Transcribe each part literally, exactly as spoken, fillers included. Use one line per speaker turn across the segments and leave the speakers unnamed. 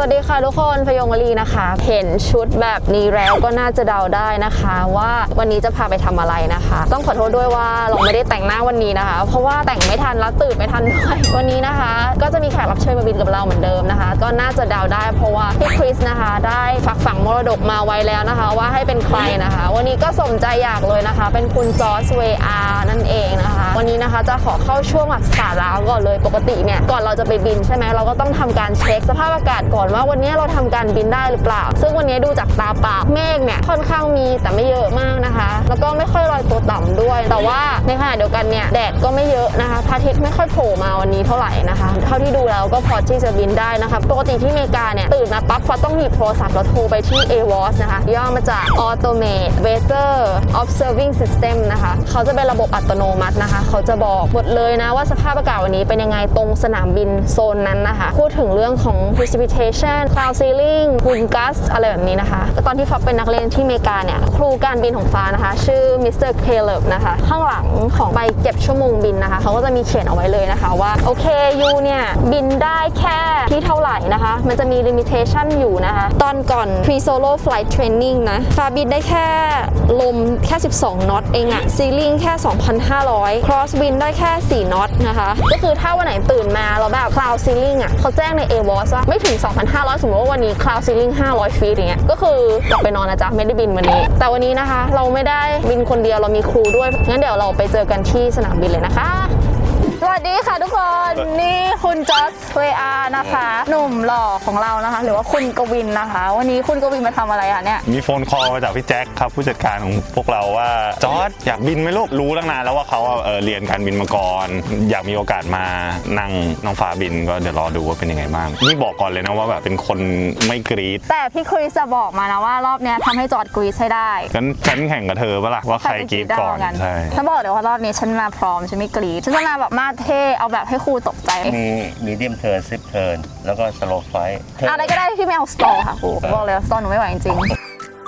วัสดีค่ะทุกคนพยงวลีนะคะเห็นชุดแบบนี้แล้วก็น่าจะเดาได้นะคะว่าวันนี้จะพาไปทำอะไรนะคะต้องขอโทษด้วยว่าเราไม่ได้แต่งหน้าวันนี้นะคะเพราะว่าแต่งไม่ทันแล้วตื่นไม่ทันด้วยวันนี้นะคะก็จะมีแขกรับเชิญมาบินกับเราเหมือนเดิมนะคะก็น่าจะเดาได้เพราะว่าพี่คริสนะคะได้ฝากฝังมรดกมาไว้แล้วนะคะว่าให้เป็นใครนะคะวันนี้ก็สมใจอยากเลยนะคะเป็นคุณจอร์จเวอาร์นั่นเองนะคะวันนี้นะคะจะขอเข้าช่วงแบบสาระก่อนเลยปกติเนี่ยก่อนเราจะไปบินใช่ไหมเราก็ต้องทำการเช็คสภาพอากาศก่อนว่าวันนี้เราทำการบินได้หรือเปล่าซึ่งวันนี้ดูจากตาเปล่าเมฆเนี่ยค่อนข้างมีแต่ไม่เยอะมากนะคะแล้วก็ไม่ค่อยลอยตัวต่ำด้วยแต่ว่าในขณะเดียวกันเนี่ยแดดก็ไม่เยอะนะคะพระอาทิตย์ไม่ค่อยโผล่มาวันนี้เท่าไหร่นะคะเท่าที่ดูแล้วก็พอที่จะบินได้นะคะปกติที่อเมริกาเนี่ยตื่นมาปั๊บเขาต้องหยิบโทรศัพท์แล้วโทรไปที่ เอ วอส นะคะย่อมาจาก Automate Weather Observing System นะคะเขาจะเป็นระบบอัตโนมัตินะคะเขาจะบอกหมดเลยนะว่าสภาพอากาศวันนี้เป็นยังไงตรงสนามบินโซนนั้นนะคะพูดถึงเรื่องของ precipitation cloud seeding ฝุ่นก๊าซอะไรแบบนี้นะคะตอนที่ฟ้าเป็นนักเรียนที่อเมริกาเนี่ยครูการบินของฟ้านะคะชื่อมิสเตอร์เคเลบนะคะข้างหลังของใบเก็บชั่วโมงบินนะคะเขาก็จะมีเขียนเอาไว้เลยนะคะว่าโอเคยูเนี่ยบินได้แค่ที่เท่าไหร่นะคะมันจะมี limitation อยู่นะคะตอนก่อน pre solo flight training นะฟ้าบินได้แค่ลมแค่สิบสองน็อตเองอะ ceiling แค่ สองพันห้าร้อย cross wind ได้แค่สี่น็อตนะคะก็คือถ้าวันไหนตื่นมาแล้วแบบ cloud ceiling อะเขาแจ้งใน เอ วอส ว่าไม่ถึง สองพันห้าร้อย สมมติว่าวันนี้ cloud ceiling ห้าร้อยฟีตอย่างเงี้ยก็คือกลับไปนอนนะจ๊ะไม่ได้บินวันนี้แต่วันนี้นะคะเราไม่ได้บินคนเดียวเรามีครูด้วยงั้นเดี๋ยวเราไปเจอกันที่สนามบินเลยนะคะสวัสดีค่ะทุกคนนี่คุณจอร์จเวอาร์นะคะหนุ่มหล่อของเรานะคะหรือว่าคุณกวินนะคะวันนี้คุณกวินมาทำอะไรคะเนี่ย
มีโฟนคอลมาจากพี่แจ็คครับผู้จัดการของพวกเราว่าจอร์จอยากบินไหมลูกรู้ตั้งนานแล้วว่าเขาเออเรียนการบินมาก่อนอยากมีโอกาสมานั่งน้องฟ้าบินก็เดี๋ยวรอดูว่าเป็นยังไงบ้างนี่บอกก่อนเลยนะว่าแบบเป็นคนไม่กรี๊ด
แต่พี่คริสจะบอกมานะว่ารอบนี้ทำให้จอร์จกรี๊ดให้ได้
งั้นฉันแข่งกับเธอปะล่ะว่าใครกรี๊ดก่อนใช่
ฉันบอกเดี๋ยวว่ารอบนี้ฉันมาพร้อมฉันไม่กรี๊ดฉันจะมาแบบมาเท่เอาแบบให้ครูตกใจ
มีมีเดียมเทิร์นซิปเทิร์นแล้วก็สโลว์ไฟท์
อะไรก็ได้ที่ไม่เอาสตอค่ะครูบอกเลยสตอหนูไม่ไหวจริงๆ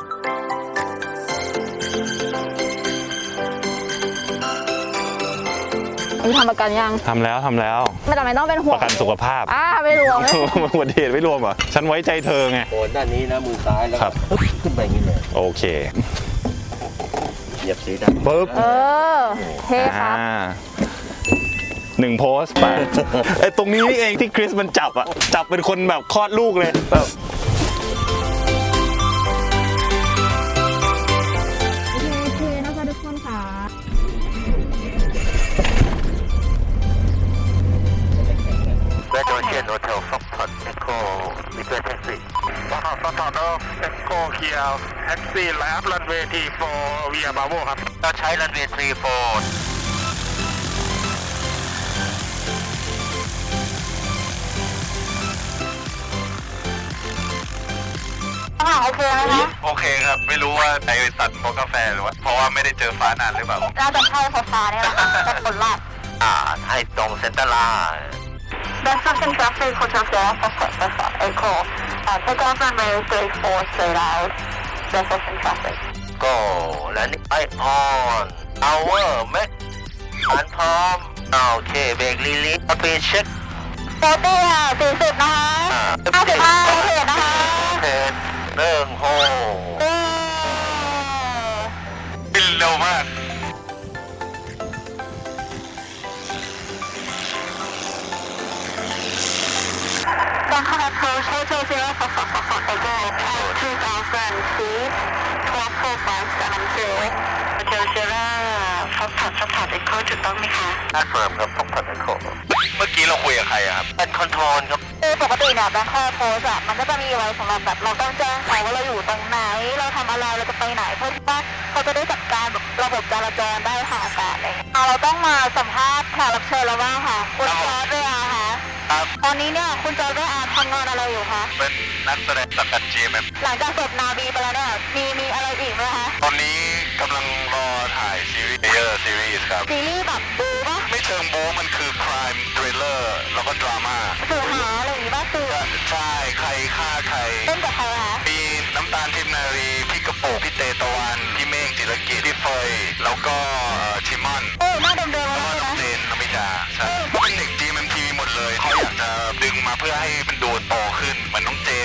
นี่ทำประกันยัง
ทำแล้วทำแล้ว
ไม่จำเป็นต้องเป็นห่วง
ประกันสุขภาพ
อ่าไม่รวม
อุบัติเหตุไม่รวมเหรอฉันไว้ใจเธอไง
โอนด้านนี้นะมือซ้ายแล้วขึ้นไปอย่างนี้เลย
โอเค
เหยียบสีดำ
ปึ๊บ
เออเท่ครับ
หนึ่งโพสต์ไปไอ้ตรงนี้นี่เองที่คริสมันจับอะจับเป็นคนแบบคลอดลูกเลยแบบ
โอเคนะคะทุกคนค่ะ
เวทโอเชียนโฮเทลฟ็อกพอตเอ็กโคมิเตอร์แท็กซี่ฟ็อกพอตฟ็อกพอตเอ็กโคเคียวแท็กซี่แลบรันเวย์ทีโฟเวียบาโวครับเราใช้รันเวย์ทีโฟ
โอเคไหมคะ
โอเคครับไม่รู้ว่าไอสัตว์โมกาแฟหรือว่าเพราะว่าไม่ได้เจอฟ้านานหรือเปล่า
น่าจะใช่ฟ้าเนี่ยแหละเป็นผลลัพธ์
อ่าให้ตรงเซ็นเตอร์ไลน์
Destination Traffic Hotel Sierra Foxtrot Echo Take off runway three four straight out Destination Traffic
Go และนี่ไอออนเอาเวอร์แม็กอันพร้อมโอเคเบรกลีลีสปีดเช็ค
โฟตี้ค่ะสี่สิบนะคะห้าสิบห้าเทรดนะคะ
เทรดเรื่องโฮ
บินเร็วมาก
Bangkok Approach Hotel Sierra Foxtrot Foxtrot Echo two thousand feet twelve four five seven zero Hotel Sierra Foxtrot Foxtrot Echo ถูกต้องไหมคะ
อันเฟิร์มครับ Foxtrot Echo
เมื่อกี้เราคุยกับใครครับ
เป็นคอนโทรลครับ
คือปกติเนี่ย Bangkok Approach อะมันก็จะมีไว้สำหรับแบบเราต้องแจ้งเขาว่าเราอยู่ตรงไหนเราทำอะไรเราจะไปไหนเพื่อที่ว่าเขาจะได้จัดการแบบระบบจราจรได้ทางอากาศอะไรอย่างเงี้ยเราต้องมาสัมภาษณ์แขกรับเชิญแล้วว่าค่ะคุณจอร์จเวอาร์ค่ะตอนนี้เนี่ยคุณจอร์จเวอาร์ทำงานอะไรอยู่คะ
เป็นนักแสดงสังกัด จี เอ็ม เอ็ม
หลังจากจบนาบีไปแล้วเนี่ยมีมีอะไรอีกไหมคะ
ตอนนี้กำลังรอถ่ายซีรีส์เยอะซีรีส์ครับ
ซีรีส์แบบบู๊ปะ
ไม่เชิงบู๊มันคือ crime thriller แล้วก็ดราม่า
สื่อหาอะไรอย่างงี้ป่ะสื่อ
ใช่ใครฆ่าใคร
เล่นกับใครคะ
มีน้ำตาลทิพนารีพี่กระโปงพี่เตตะวันพี่เมฆจิรกิจพี่เฟยแล้วก็ชิมอน
เออหน้าเดิมๆ
แล้วก็น้องเจนนมิดาใช่เป็นเด็ก จี เอ็ม เอ็ม ที วี หมดเลยเขาอยากจะดึงมาเพื่อให้มันดูโตขึ้นเหมือนน้องเจน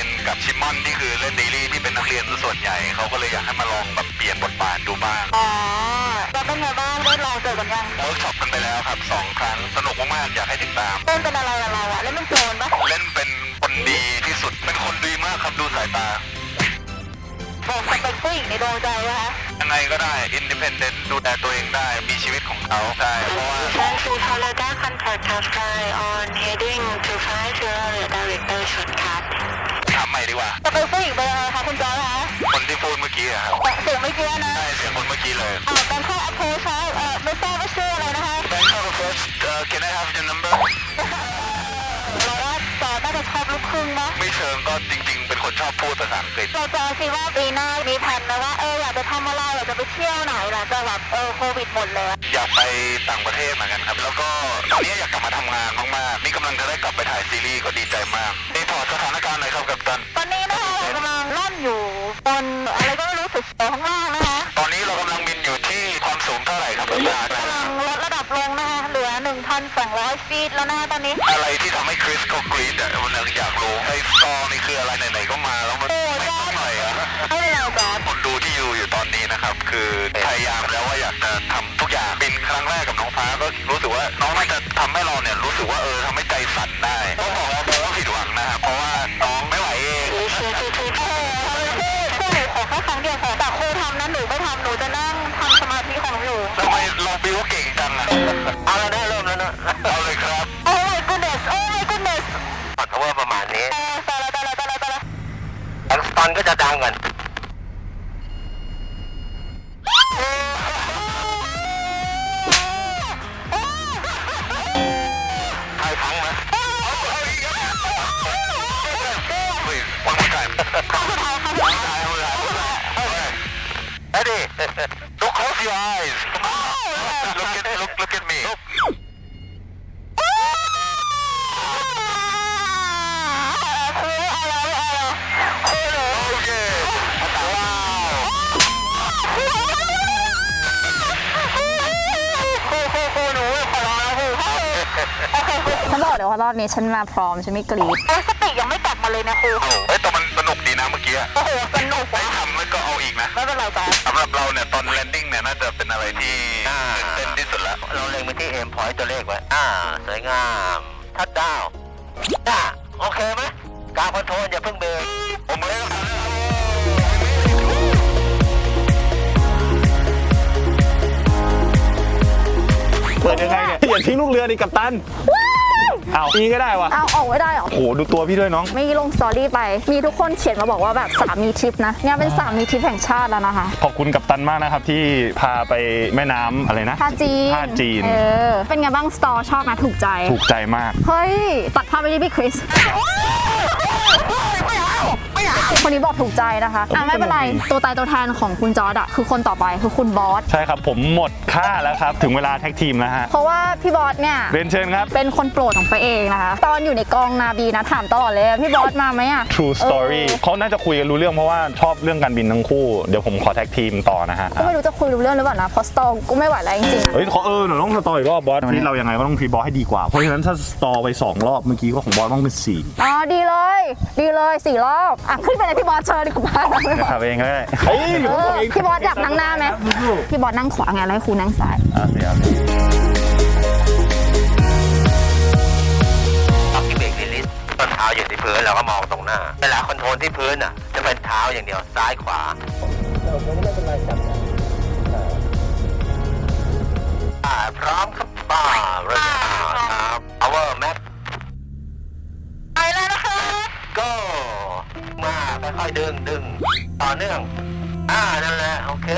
ชิมอนที่คือเล่นซีรีส์ที่เป็นนักเรียนส่วนใหญ่เขาก็เลยอยากให้มาลองแบบเปลี่ยนบทบาทดูบ้าง
อ๋อแล้วเป็นไงบ้างได้ลองเจอกันยัง
เวิร์กช็อปกันไปแล้วครับสองครั้งสนุกมากๆอยากให้ติดตาม
เล่นเป็นอะไรอะเราอะเล่นเป็นโจรปะ
เล่นเป็นคนดีที่สุดเป็นคนดีมากครับดูสายตา
บอกสเปคผู้หญิงในดวงใจนะคะ
ยังไงก็ได้อินดิเพนเดนต์ดูแลตัวเองได้มีชีวิตของเขาใช่เพราะว่า
Thank you for the contact us on heading to five zero director shortcut
ถามใหม่ดีกว่า
สเปคผู้หญิงเป็นอะไรคะคุณจอร์จคะ
คนที่พูดเมื่อกี้อะครับ
เสียงเมื่อกี้นะ
ใช่เสียงคนเมื่อกี้เลย
อ่าการเข้า approach เอ่อไม่ทราบว่าชื่ออะไรนะคะ
Bangkok approach uh, can I have your number
เราว่าจอร์จน่าจะชอบลูกครึ่งนะ
ไม่เชิงก็จริงๆเป็นคนชอบพูดภาษาอังกฤษ
เราจะคิดว่าปีหน้ามีแผนนะว่าเอออยากจะทำอะไรอยากจะไปเที่ยวไหนหลังจากแบบเออโควิดหมดเลย
อยากไปต่างประเทศเหมือนกันครับแล้วก็ตอนนี้อยากกลับมาทำงานมากๆนี่กำลังจะได้กลับไปถ่ายซีรีส์ก็ดีใจมากนี่พอสถานการณ์หน่อยครับกัปตัน
ตอนนี้นะคะเรากำลังล่อนอยู่บนอะไรก็ไม่รู้สึกเสียวข้างล่างนะคะ
ตอนนี้เรากำลังบินอยู่ที่ความสูงเท่าไหร่ครับกัปตัน
กำลังลดระดับลงนะคะเหลือ หนึ่งพันสองร้อย ฟีตแล้วนะคะตอนนี้
อะไรที่ทำให้คริสเขากรี๊ดอ่ะมันอยากรู้ไอ้สตอนี่คืออะไรไหนๆก็มาแล้วมันไม่ต้องหน่อยอ่ะ
ให้เราจอด
คนดูที่อยู่อยู่ตอนนี้นะครับคือพยายามแล้วว่าอยากจะทำทุกอย่างบินครั้งแรกกับน้องฟ้าก็รู้สึกว่าน้องน่าจะทำให้เราเนี่ยรู้สึกว่าเออทำให้ใจสั่นได้ต้องบอกว่าเราผิดหวังนะครับเพราะว่าน้องไม่ไหวเอง
เชื่อคือคือพ่อพ่อหนูขอแค่ครั้งเดียวขอแต่ครูทำนั้นหนูไม่ทำหนูจะนั่งทำสมาธิของหนู
ทำไมเราบิวเก่งจังอ่ะเอาแล้วนะเริ่มแล้วนะเอาเลยครับ
โอ้ my goodness โอ้ my goodness
ปัดเพราะว่าประมาณนี้
ตายแล้วตายแล้วตายแล้วตายแล้ว
แองสตันก็จะดังกันใครพังไหมวันนี้กันEddie don't close your eyes look at look look at me
ฉันบอกเลยว่ารอบนี้ฉันมาพร้อมฉันไม่กรี๊ด
เออสติยังไม่กลับมาเลยนะครู
เฮ้ยแต่มันสนุกดีนะเมื่อกี้
โอ้โหสนุก
ไม่ทำแล้วก็เอาอีกนะ
ไม่เป็นไรจ้ะ
สำหรับเราเนี่ยตอนแลนดิ้งเนี่ยน่าจะเป็นอะไรที่เต้นที่สุดแล้วเราเล็งไปที่เอ็มพอยต์ตัวเลขไว้อ่าสวยงามทัดดาวจ้าโอเคไหมการคอนโทรลอย่าเพิ่งเบรกผมไม่ได้
เปิดยังไงเนี่ยอย่าทิ้งลูกเรือดิกัปตันเอานี้ก็ได้วะ
เอาออกไม่ได้หรอ
โหดูตัวพี่ด้วยน้อง
ไม่ลงสตอรี่ไปมีทุกคนเขียนมาบอกว่าแบบสามีทริปนะเนี่ยเป็นสามีทริปแห่งชาติแล้วนะคะ
ขอบคุณกัปตันมากนะครับที่พาไปแม่น้ำอะไรนะ
ท่าจีน
ท่าจีน
เออเป็นไงบ้างสตอชอบไหมถูกใจ
ถูกใจมาก
เฮ้ยตัดภาพไปที่พี่คริสคนนี้บอกถูกใจนะคะอ่ะไม่เป็นไรตัวตายตัวแทนของคุณจอร์ดอะคือคนต่อไปคือคุณบอส
ใช่ครับผมหมดค่าแล้วครับถึงเวลาแท็กทีมแล้วฮะ
เพราะว่าพี่บอสเนี่ย
เรียนเชิญครับ
เป็นคนโปรดของไปเองนะคะตอนอยู่ในกองนาบีนะถามตลอดเลยพี่บอสมาไหมอะ
True Story เขาน่าจะคุยกันรู้เรื่องเพราะว่าชอบเรื่องการบินทั้งคู่เดี๋ยวผมขอแท็กทีมต่อนะฮะ
ก็ไม่รู้จะคุยรู้เรื่องหรือเปล่านะเพราะสตอก็ไม่ไหวแล้วจริงๆ
เฮ้ยขอเออหนูต้องสตออีกรอบบอสที่เรายังไงก็ต้องพีบอสให้ดีกว่าเพราะฉะนั้นถ้าสตอไปสองรอบเมื่อกี้ก็ของบอสต้องเป็นสี่
อ๋อดีเลยดีเลยสี่รอบอ่ะขึ้นไปเลยพี่บอสเชิญดีกว่า
ขับเองก็ได้เฮ้ย
พี่บอสอยากนั่งหน้าไหมพี่บอสนั่งขวาไงแล้วให้ครูนั่งซ้าย
อ่ะเดี๋ยว
ตอนที่เบรกรีลิสต้นเท้าอยู่ที่พื้นเราก็มองตรงหน้าเวลาคอนโทรลที่พื้นอ่ะจะเป็นเท้าอย่างเดียวซ้ายขวาพร้อมครับป้าเริ่มครับ power map
ไปแล้วนะคะ
ก็มาค่อยๆดึงดึงต่อเนื่องอ่านั่นแหละโอเค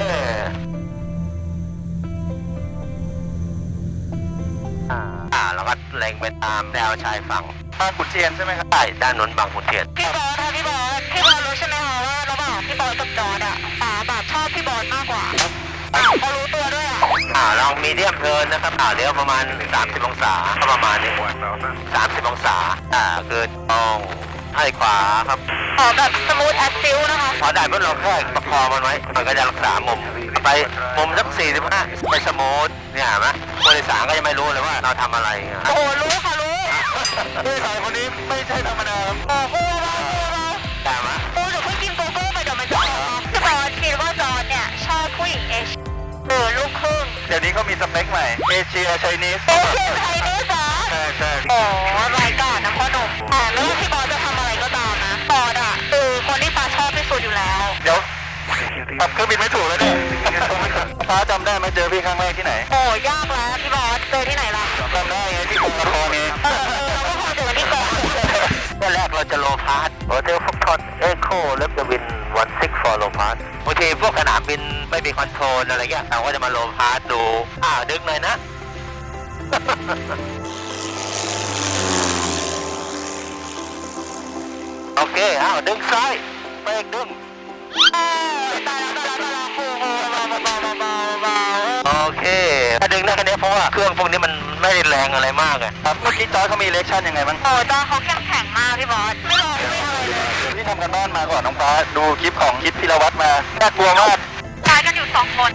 อ่าอ่าเราก็เล็งไปตามแนวชายฝั่งบางขุนเทียนใช่ไหมครับใช่ด้านนนบางขุนเทียน
พี่บอสค่ะพี่บอสพี่บอสรู้ใช่ไหมคะว่าระหว่างพี่บอสกับจอร์ดอะป๋าแบบชอบพี่บอสมากกว่าป๋าเขารู้ตัวด้วยอะ
อ่าลองมีเดียมเทิร์นนะครับอ่าเดี๋ยวประมาณสามสิบองศาประมาณนี้สามสิบองศาอ่าคือตรงให้ขวาครับ
ขอแบบสมูทแอคซิลนะคะ
พอได้เมื่อเราแค่ประคองมันไว้มันก็จะรักษามุมไปมุมสักสี่สิบห้าไปสมูทเนี่ยเห็นไหมผู้โดยสารก็ยังไม่รู้เลยว่าเราทำอะไร
โอ้รู้ค่ะรู้
ผู้โดยสารคนนี้ไม่ใช่ธรรมดา
โอ้โห
แต่ว่าดี๋ยวนี้เขามีสเปคใหม่เอเชียไชนีส
เอเชียไทยนี่เหรอ
ใช่ใช่
โอ้รายการนะพ่อหนุ่มแต่ไม่ว่าพี่บอสจะทำอะไรก็ตามนะบอสอ่ะคือคนที่ฟ้าชอบที่สุดอยู่แล้ว
เดี๋ยวขับเครื่องบินไม่ถูกแล้วเนี่ยฟ้าจำได้ไหมเจอพี่ครั้งแรกที่ไหน
โอ้ยากแล้วพี่บอสเจอที่ไหนล่ะ
จำได้ไงที่กรุงนครนี่
เออเออเราก็คงเจอกันที่เกาะ
เมื่อแรกเราจะโลพาสโฮเทลฟ็อกทอนเอโคเล็บจะวินวันซิกฟอร์โลพาสบางทีพวกสนามบินไม่มีคอนโทรลอะไรเงี้ยเราก็จะมาโลพาสดูอ่าดึกหน่อยนะ โอเคอ้าวดึงซ้ายเบรกดึง
เออตายแล้วตายแล้วตายแล้วโอ้โหเบาเบาเบาเบาเบาเบา
โอเคถ้าดึงได้แค่นี้เพราะว่าเครื่องพวกนี้มันไม่ได้แรงอะไรมากอะครับเมื่อกี้จอยเขามีเลคชั่นยังไงบ้าง
โอ้ยตาเขาเข้มแข็งมากพี่บอสไม่รอไม่อะไรเลย
ที่ทำกันบ้านมาก่อนน้องฟ้าดูคลิปของคิดพิรวัตรมาน่ากลัวมาก
ตายกันอยู่สองคน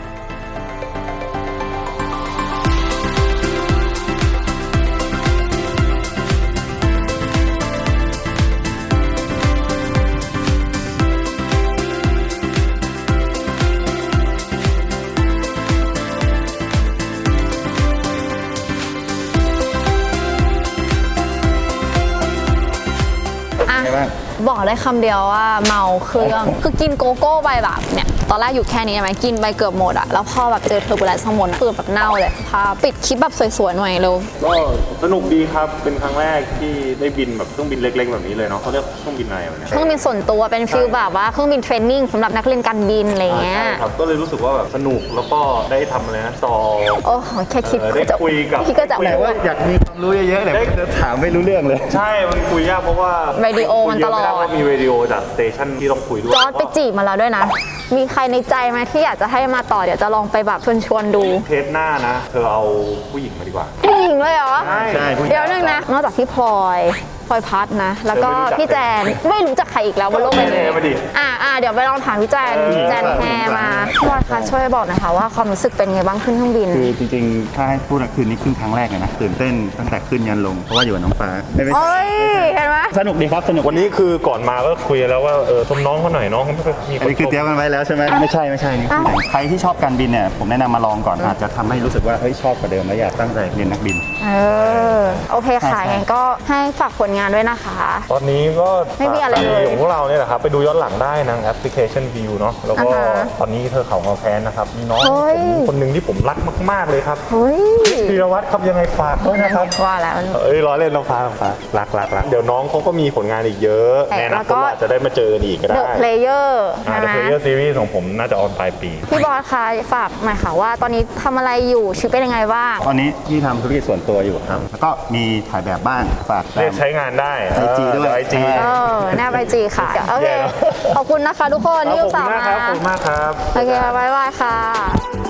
อ่ะบอกได้คำเดียวว่าเมาเครื่อง คือกินโกโก้ไปแบบเนี่ยตอนแรกอยู่แค่นี้ใช่ไหมกินไปเกือบหมดอะแล้วพอแบบเจอเทอร์บูเลนซ์ข้างบนอะคือแบบเน่าเลยพาปิดคลิปแบบสวยๆหน่อยเร็ว
ก็สนุกดีครับเป็นครั้งแรกที่ได้บินแบบเครื่องบินเล็กๆแบบนี้เลยเนาะเขาเรียกเครื่องบินอะไรวะเนี่ย
เครื่องบินส่วนตัวเป็นฟิลแบบว่าเครื่องบินเทรนนิ่งสำหรับนักเรียนการบินอะไรเงี้ย
ใช่ครับก็เลยรู้สึกว่าแบบสนุกแล้วก็ได้ทำอะไรนะต่อ
โอ้โหแค่คิด
เออได้
ก็จะ
คุยกับ
พี่ก็จะ
แต่ว่าอยากมีความรู้เยอะๆเลยจะถามไม่รู้เรื่องเลย
ใช่มันคุยยากเพราะว่า
วิดีโอมันตลอด
คุยเยะไม่ไเพราะมีวิดีโอจากสเตชันที่ต้องคุยด้วย
จอร์จไปจีบมาแล้วด้วยนะ มีใครในใจไหมที่อยากจะให้มาต่อเดี๋ยวจะลองไปแบบชวนชวนๆดู
เทปหน้านะ เธอเอาผู้หญิงมาดีกว่า
ผู้หญิงเลยเหรอ
ใช่
ใช่ผู้หญิง
เดี๋ยวนึงนะ นอกจากพี่พลอยพลอยพัดนะ แล้วก็
เธอไม่รู้จัก
พี่แจนไม่รู้จักใครอีกแล้วบนโลกใบนี้
แจนมาดิ
อ่าอ่าเดี๋ยวไปลองถามพี่แจนแจนแฮมาพี่พลอยคะช่วยบอกหน่อยค่ะว่าความรู้สึกเป็นไงบ้างขึ้นเครื่องบิน
คือจริงๆ ถ้าให้พูดอะคืนนี้ขึ้นครั้งแรกเลยนะตื่นเต้นตั้งแต่ขึ้นยันลง เพราะว่าอยู่กับน้องฟ้าไม่ไม่
โอ้ยเห็นไหม
สนุกดีครับสนุก
วันนี้คือก่อนมาก็คุยแล้วว่าเออชมน้องเขาหน่อยน้องเขาไม่เคยมีค
อัน
น
นี้คือเตรียมกันไว้แล้วใช่ไหมไม่ใช่ไม่ใช่นี่คือใครที่ชอบการบินเนี่ยผมแนะนำมาลองก่อนอาจจะทำให้รู้สึกว่าเฮ้ยชอบกว่าเดิมและอยากตั้งใจเรียนนักบิน
เออโอเคค่ะ
ใช่ใช่
งั้นก็ให้ฝากผลงานด้วยนะคะ
ตอนนี้ก็
ไม่มีอะไรเลย
ของพวกเราเนี่ยแหละครับไปดูย้อนหลังได้ทางแอปพลิเคชัน View เนาะแล้วก็
อ่าฮะ
ตอนนี้เธอเขามาแพนนะครับมีน้อง
เฮ้ย
ผมคนหนึ่งที่ผมรักมากๆเลยครับ
เฮ้ย
พีรวัตรครับยังไงฝากด้วยนะครับ
ว่าแล้ว
เอ้ยร้อยเล่นน้องฟ้าน้องฟ้ารักรักรักเดี๋ยวน้องเขาก็มีผลงานอีกเยอะ
แต่
แน่นะ
แล้วก็
ก็อาจจะได้มาเจอกันอีกก็
The
ได้
Player
อ่า
ใช่
The
ไหม
Player Series ของผมน่าจะออนปลายปี
พี่บอสคะฝากหน่อยค่ะว่าตอนนี้ทำอะไรอยู่ชีวิตเป็นยังไงบ้าง
ตอนนี้ที่ทำธุรกิจส่วนตัวอยู่ครับแล้วก็มีถ่ายแบบบ้างฝาก
เรียกใช้งานได้
ไอจีด้วย
ไอจี
เออแนบไอจีค่ะ โอเค
แย่แล้ว
ขอบคุณนะคะทุกคนที่
ข
อุ
อบ
ต
คุ
ส่า
ณ
ห์
มาก
มา
ครับขอบคุณมากครับ
โอเคบ๊ายบายค่ะ